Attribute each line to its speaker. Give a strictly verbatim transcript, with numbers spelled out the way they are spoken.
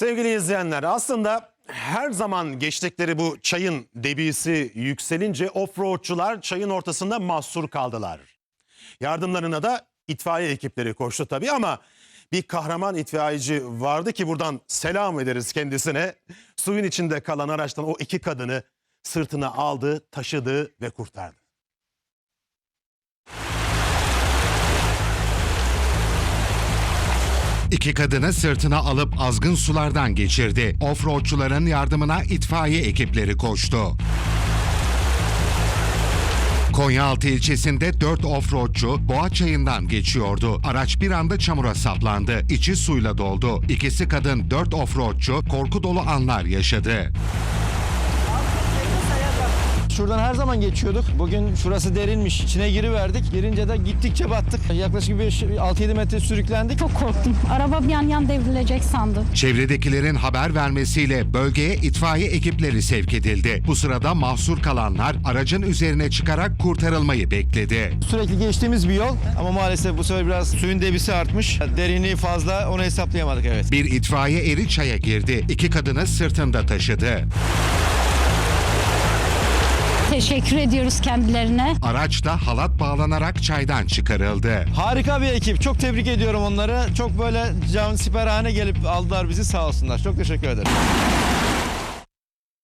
Speaker 1: Sevgili izleyenler, aslında her zaman geçtikleri bu çayın debisi yükselince offroadçular çayın ortasında mahsur kaldılar. Yardımlarına da itfaiye ekipleri koştu tabii ama bir kahraman itfaiyeci vardı ki buradan selam ederiz kendisine. Suyun içinde kalan araçtan o iki kadını sırtına aldı, taşıdı ve kurtardı.
Speaker 2: İki kadını sırtına alıp azgın sulardan geçirdi. Offroadçuların yardımına itfaiye ekipleri koştu. Konyaaltı ilçesinde dört offroadçu Boğa Çayı'ndan geçiyordu. Araç bir anda çamura saplandı. İçi suyla doldu. İkisi kadın, dört offroadçu korku dolu anlar yaşadı.
Speaker 3: Şuradan her zaman geçiyorduk. Bugün şurası derinmiş. İçine giriverdik. Girince de gittikçe battık. Yaklaşık altı yedi metre sürüklendik.
Speaker 4: Çok korktum. Araba bir yan yan devrilecek sandım.
Speaker 2: Çevredekilerin haber vermesiyle bölgeye itfaiye ekipleri sevk edildi. Bu sırada mahsur kalanlar aracın üzerine çıkarak kurtarılmayı bekledi.
Speaker 3: Sürekli geçtiğimiz bir yol ama maalesef bu sefer biraz suyun debisi artmış. Derinliği fazla, onu hesaplayamadık evet.
Speaker 2: Bir itfaiye eri çaya girdi. İki kadını sırtında taşıdı.
Speaker 4: Teşekkür ediyoruz kendilerine.
Speaker 2: Araç da halat bağlanarak çaydan çıkarıldı.
Speaker 3: Harika bir ekip. Çok tebrik ediyorum onları. Çok böyle can siperhane gelip aldılar bizi, sağ olsunlar. Çok teşekkür ederim.